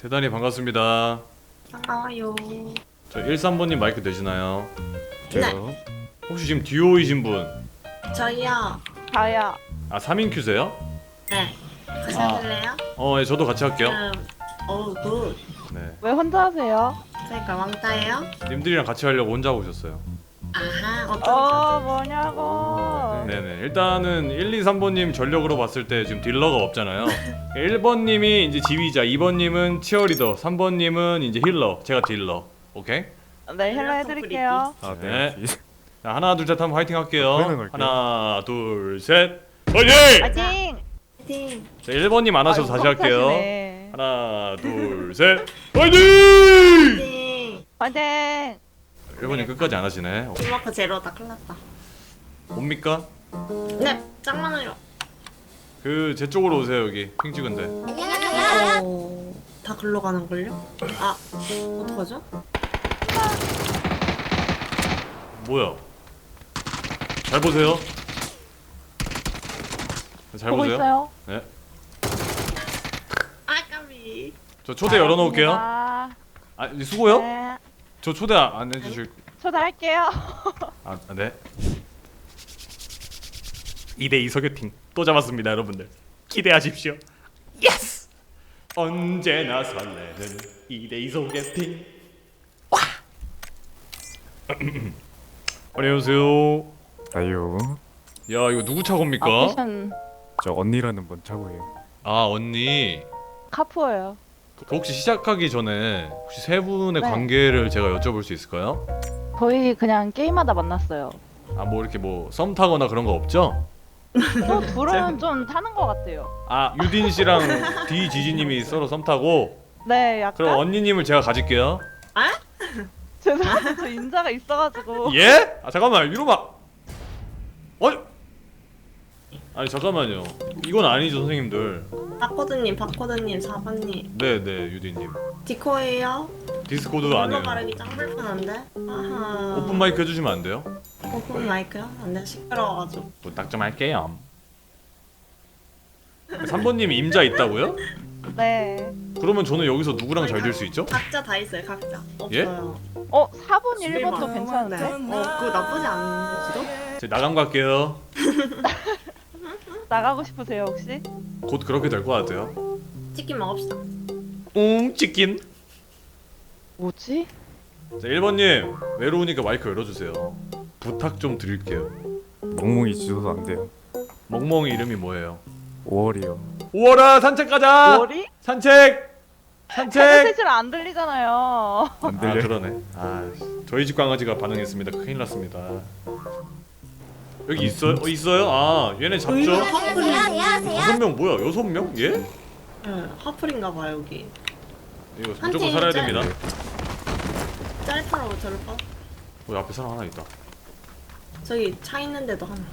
대단히 반갑습니다. 반가워요. 저 13번님 마이크 되시나요? 네. 혹시 지금 듀오이신 분? 저희요. 저요. 아 3인 큐세요? 네. 같이 아. 하실래요? 예, 저도 같이 할게요. 굿. 네. 왜 혼자 하세요? 그러니까 왕따예요? 님들이랑 같이 하려고 혼자 오셨어요. 아하, 어떤 뭐냐고. 네네. 일단은 1, 2, 3번님 전력으로 봤을 때 지금 딜러가 없잖아요. 1번님이 이제 지휘자, 2번님은 치어리더, 3번님은 이제 힐러, 제가 딜러. 오케이? 네, 헬로 해드릴게요. 아, 네. 네. 자, 하나, 둘, 셋 하면 화이팅 할게요. 화이팅 할게요. 하나, 둘, 셋. 화이팅! 파이팅! 파이팅. 자, 1번님 안 하셔도 다시 할게요. 네. 하나, 둘, 셋. 화이팅! 파이팅. 파이팅! 1번님 끝까지 안 하시네. 팀워크 제로다. 큰일 났다. 뭡니까? 네. 짱 많아요. 그 제 쪽으로 오세요. 여기 핑 찍은데. 다 글로 가는걸요? 아, 어떡하죠? 뭐야? 잘 보세요. 잘 보고 보세요. 있어요. 네. 아, 까비. 저 초대 열어놓을게요. 아, 아, 수고요? 네. 저 초대 안 해주실? 초대할게요. 아, 네. 2대2 소개팅 또 잡았습니다, 여러분들. 기대하십시오. 예스! 언제나 설레는 2대2 소개팅. 와! 안녕하세요. 아유, 야, 이거 누구 차고입니까? 아, 패션 저 언니라는 분 차고예요. 아, 언니. 카푸예요. 그 혹시 시작하기 전에 혹시 세 분의 네. 관계를 제가 여쭤볼 수 있을까요? 거의 그냥 게임하다 만났어요. 아, 뭐 이렇게 뭐 썸 타거나 그런 거 없죠? 또 둘은 좀 타는 것 같아요. 아, 유딘 씨랑 디지지님이 서로 썸 타고. 네, 약간. 그럼 언니님을 제가 가질게요. 죄송한데 저 인자가 있어가지고. 예? 아, 잠깐만, 이러면 아니 잠깐만요. 이건 아니죠, 선생님들. 박코드님, 4번님. 네네, 유딘님. 디코예요? 디스코드 안 글로 해요. 가르기 짱 불편한데? 아하. 오픈 마이크 해주시면 안 돼요? 오픈 마이크요? 안 돼, 시끄러워가지고. 부탁 좀 할게요. 3번님 임자 있다고요? 네. 그러면 저는 여기서 누구랑 잘 될 수 있죠? 각자 다 있어요, 각자. 예? 없어요. 4번, 1번도 네. 괜찮은데? 그거 나쁘지 않은지도? 제 나감 갈게요. 나가고 싶으세요, 혹시? 곧 그렇게 될 것 같아요. 치킨 먹읍시다. 치킨. 뭐지? 자, 1번님 외로우니까 마이크 열어주세요. 부탁 좀 드릴게요. 멍멍이 지도도 안 돼요. 멍멍이 이름이 뭐예요? 5월이요. 5월아, 산책 가자. 머리? 산책. 산책. 셋을 안 들리잖아요. 안 아, 들려. 그러네. 아, 저희 집 강아지가 반응했습니다. 큰일 났습니다. 여기 있어요? 있어요? 아, 얘네 잡죠? 하플인가 5명 뭐야? 6명? 예? 하플인가 여기. 이거 한 무조건 팀 살아야 짤. 됩니다. 짤파라고 저를 봐. 앞에 사람 하나 있다. 저기 차 있는데도 하나.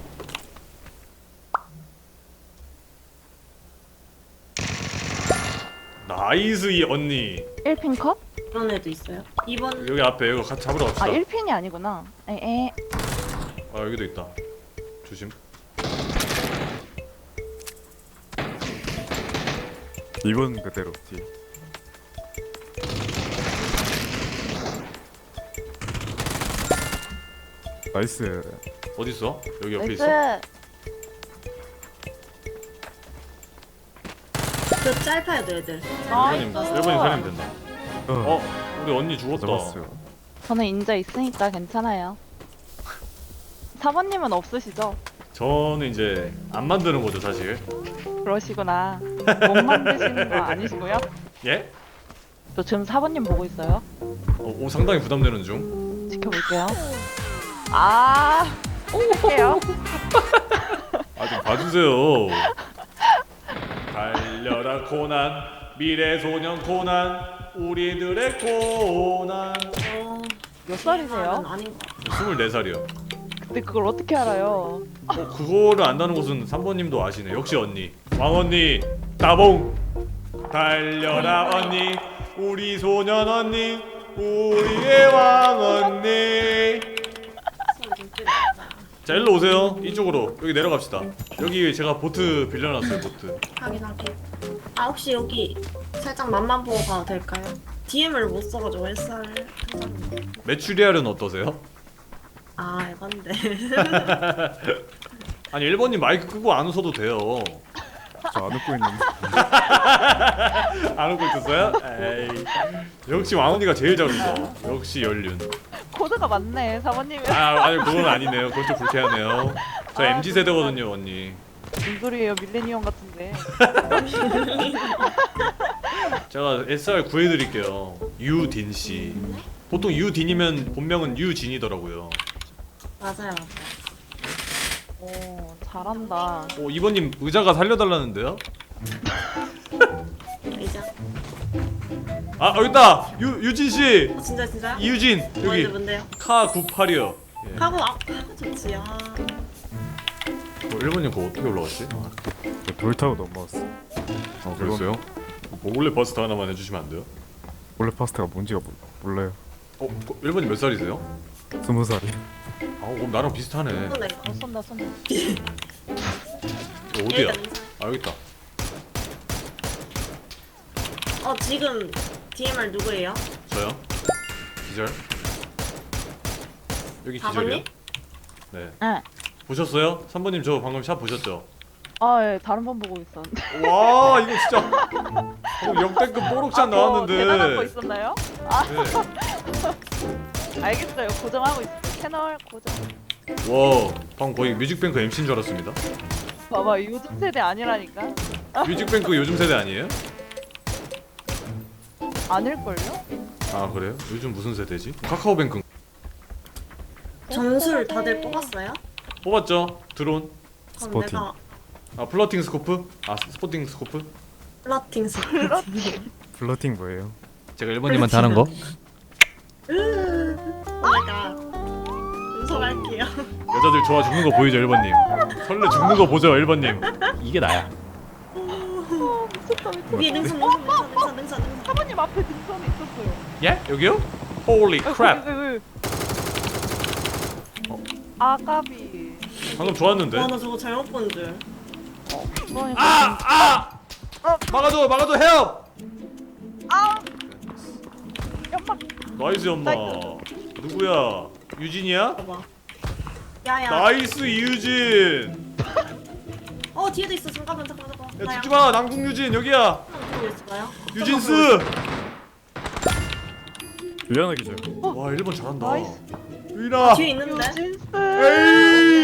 나이스 이 언니. 1핀 컷? 그런 애도 있어요. 2번 여기 앞에 이거 같이 잡으러 갑시다. 아, 1핀이 아니구나. 에에. 아, 여기도 있다. 조심. 2번 그대로 뒤. 나이스. 어디 있어? 여기 옆에 나이스. 있어? 저 짤파에도 애들. 나이스. 1번님 살리면 된다. 우리 언니 죽었다. 잡았어요. 저는 인자 있으니까 괜찮아요. 4번님은 없으시죠? 저는 이제 안 만드는 거죠, 사실. 그러시구나. 못 만드시는 거 아니시고요? 예? 저 지금 4번님 보고 있어요. 오, 상당히 부담되는 중. 지켜볼게요. 아, 할게요. 아, 좀 봐주세요. 달려라 코난, 미래 소년 코난, 우리들의 코난. 몇 살이세요? 아닌 것 같아. 24살이요. 근데 그걸 어떻게 알아요? 그거를 안다는 것은 3번님도 아시네. 역시 언니. 왕언니, 따봉. 달려라 언니, 우리 소년 언니, 우리의 왕언니. 소리 좀 줄이자. 자, 일로 오세요. 이쪽으로. 여기 내려갑시다. 여기 제가 보트 빌려놨어요, 보트. 확인. 아 혹시 여기 살짝 맛만 보고 가도 될까요? DM을 못 써가지고 SR 메추리알은 어떠세요? 아 에반데 아니 1번님 마이크 끄고 안 웃어도 돼요. 저 안 웃고 있는데. 안 웃고 있었어요? 에이. 역시 왕언니가 제일 잘 웃어. 역시 연륜. 코드가 많네 사모님이. 아니 그건 아니네요. 그건 좀 불쾌하네요. 저 아, MZ 세대거든요, 언니. 무슨 소리예요 밀레니엄 같은데. 제가 SR 구해드릴게요. 유딘 씨. 보통 유딘이면 본명은 유진이더라고요. 맞아요. 오 잘한다. 이번님 의자가 살려달라는데요? 이제 아 여기 있다. 유진 씨. 진짜요? 이유진 뭔데 여기 뭔데요? 카 98이요. 예. 하고 좋지. 아 1번님 그거 어떻게 올라갔지? 돌 타고 넘어왔어. 그랬어요? 뭐 원래 버스트 하나만 해주시면 안 돼요? 원래 파스타가 뭔지가 몰라요. 1번님 몇 살이세요? 20살이. 그럼 나랑 비슷하네. 근데 쏜다. 어디야? 여기 있다. 지금 DMR 누구예요? 저요? 기절. 여기 기절이요? 4번님? 네. 응. 보셨어요? 3번님 저 방금 샷 보셨죠? 아 예, 다른 번 보고 있었는데. 와 이거 진짜 역대급 뽀록샷 나왔는데. 대단한 거 있었나요? 네. 알겠어요. 고정하고 있어요. 채널 고정. 와 방금 거의 뮤직뱅크 MC인 줄 알았습니다. 봐봐 요즘 세대 아니라니까. 뮤직뱅크 요즘 세대 아니에요? 아닐걸요? 아 그래요? 요즘 무슨 세대지? 카카오뱅크 점수를 다들 뽑았어요? 뽑았죠? 드론. 그럼 스포팅. 내가 플러팅 스코프? 스포팅 스코프? 플러팅 플러팅 뭐예요? 제가 1번님한테 하는 거? 오마이갓 음성할게요. 여자들 좋아 죽는 거 보이죠 1번님? 설레 죽는 거 보죠 1번님? 이게 나야. 미쳤다. 위에 능선. 사모님 앞에 등선에 있었어요. 예? 여기요? Holy crap. 왜? 아까비. 방금 좋았는데? 와나 저거 잘못 본 줄. 그러니까 막아줘 help! 연막. 나이스 엄마. 누구야? 유진이야? 봐봐. 야야. 나이스 이유진. 뒤에도 있어. 잠깐만. 야 죽지마 남궁 유진 여기야. 누구 있을까요? 유진스. 유연하 기절. 와 1번 잘한다. 나이스. 유인아. 뒤에 있는데. 진스. 에이.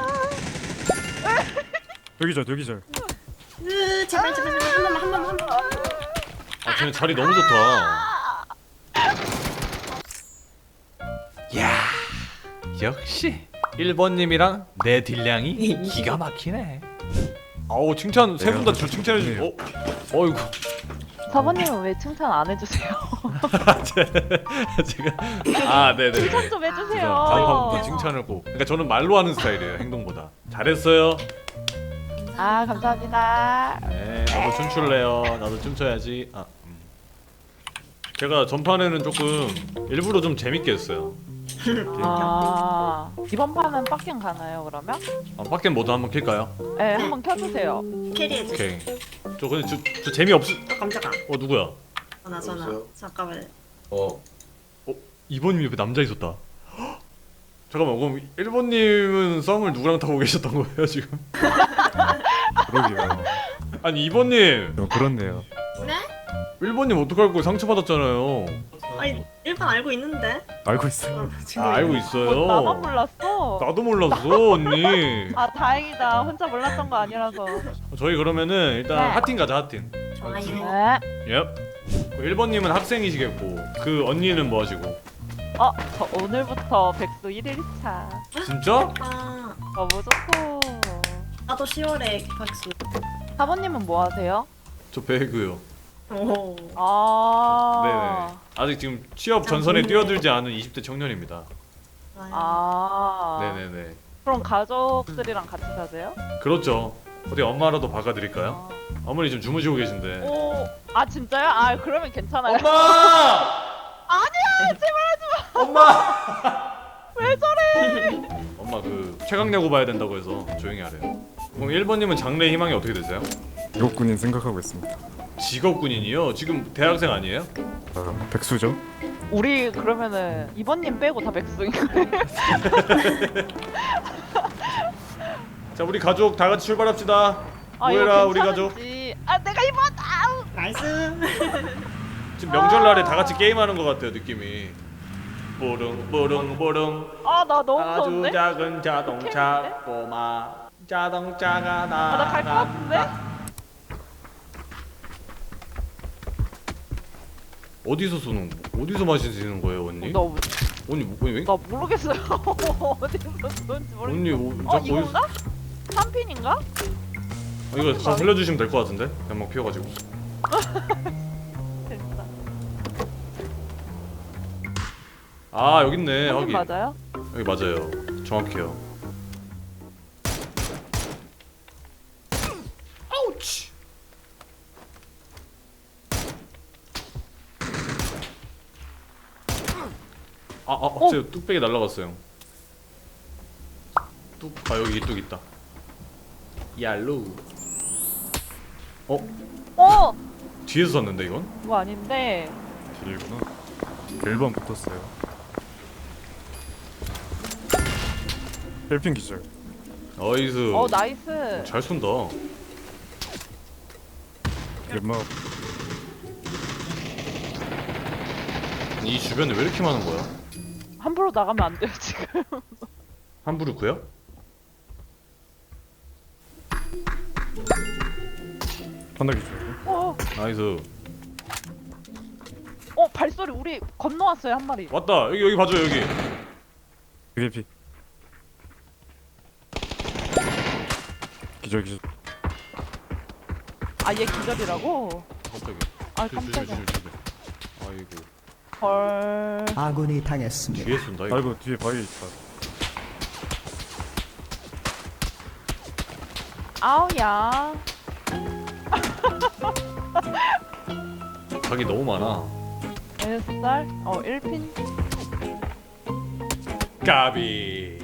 여기절. 제발 한 번만. 쟤네 자리 너무 좋다. 야 역시 1번님이랑 내 딜량이 기가 막히네. 아우 칭찬 세 분 다 저 칭찬해 주시. 어이구. 사모님은 왜 칭찬 안 해주세요? 제가 네네. 칭찬 좀 해주세요. 다음부터 칭찬을 꼭. 그러니까 저는 말로 하는 스타일이에요 행동보다. 잘했어요. 아 감사합니다. 네 나도 춤출래요. 나도 춤춰야지. 제가 전판에는 조금 일부러 좀 재밌게 했어요. 아 이번 판은 빡킹 가나요 그러면? 밖에 모드 한번 킬까요? 네 한번 켜주세요. 캐리해줘. 오케이. 저 근데 저 재미없어. 깜짝아. 누구야? 전화. 잠깐만. 2번님 옆에 남자 있었다. 헉! 잠깐만 그럼 1번님은 썸을 누구랑 타고 계셨던 거예요 지금? 그러게요. 아니 2번님 좀 그렇네요. 네? 1번님 어떡할 거예요 상처받았잖아요. 아니 1번 알고 있는데. 알고 있어요. 지금 알고 있어요. 나만 몰랐어. 나도 몰랐어 언니. 아 다행이다. 혼자 몰랐던 거 아니라서. 저희 그러면은 일단 네. 핫팀 가자 핫팀. 좋아요. 네. 예. 1번님은 학생이시겠고 그 언니는 뭐 하시고? 저 오늘부터 백수 1일차. 진짜? 너무 좋고. 나도 10월에 박수. 사모님은 뭐 하세요? 저 배그요. 오. 아. 네네. 아직 지금 취업 전선에 뛰어들지 않은 20대 청년입니다. 아. 네네네. 그럼 가족들이랑 같이 사세요? 그렇죠. 어디 엄마라도 박아드릴까요? 아. 어머니 지금 주무시고 계신데. 오. 아 진짜요? 아 그러면 괜찮아요. 엄마! 아니야 제발 하지 마. 엄마! 왜 저래? 엄마 그 최강야구 봐야 된다고 해서 조용히 하래요. 그럼 1번님은 장래 희망이 어떻게 되세요? 직업군인 생각하고 있습니다. 직업군인이요? 지금 대학생 아니에요? 아, 백수죠? 우리 그러면은 이번님 빼고 다 백수인 거예요? 자 우리 가족 다 같이 출발합시다. 아 모여라 이거 우리 가족. 괜찮은지. 아 내가 이번 아우. 나이스. 지금 명절날에 다 같이 게임하는 것 같아요 느낌이. 뽀릉뽀릉뽀릉. 아나 너무 아주 무서운데? 작은 자동차 꼬마 자동차가 나 갈 것 같은데? 나간다. 어디서 쏘는 어디서 마시는 거예요 언니? 나, 언니 왜? 나 모르겠어요. 어디서 쏜지 언니 모르겠어. 자꾸 이건가? 3핀인가? 이거 가서 살려주시면 될 것 같은데? 연막 피워가지고. 됐다. 아 여기 있네. 여기 여기 맞아요? 여기 맞아요. 정확해요. 아우치. 제 뚝배기 날라갔어요. 여기 뚝 있다. 얄루. 어! 뒤에서 쐈는데 이건? 그거 아닌데. 길구나. 1번 붙었어요. 헬핑 기절. 나이스. 나이스. 잘 쏜다. 연막 이 주변에 왜 이렇게 많은 거야? 함부로 나가면 안 돼요 지금. 함부르크요? 하나 기절. 나이스. 발소리 우리 건너왔어요 한 마리. 왔다. 여기 봐줘 여기. 헬핑. 기절 기절. 아 얘 기절이라고? 깜짝이야. 아 깜짝이야. 아이고. 헐. 아군이 당했습니다. 뒤에 쏜다 이거. 아이고 뒤에 바위 있다. 아우야. 각이 너무 많아. 살 1핀. 까비.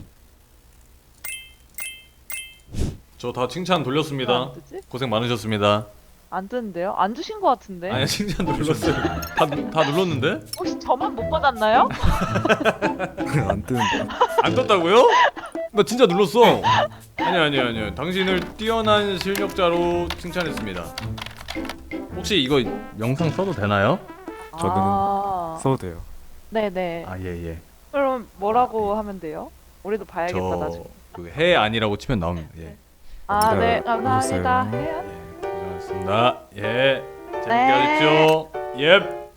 저 다 칭찬 돌렸습니다. 안 뜨지? 고생 많으셨습니다. 안 뜨는데요? 안 주신 것 같은데. 아니 칭찬 눌렀어요. 다 눌렀는데? 혹시 저만 못 받았나요? 안 뜨는데. 안 떴다고요? 나 진짜 눌렀어. 아니요. 당신을 뛰어난 실력자로 칭찬했습니다. 혹시 이거 영상 써도 되나요? 저는 써도 돼요. 네네. 아 예. 그럼 뭐라고 하면 돼요? 우리도 봐야겠다 나중에. 저해 아니라고 치면 나옵니다. 예. 아, 네, 네, 감사합니다. 알겠어요. 해야 고생하셨습니다. 예. 재밌게 네. 하십시오. 예.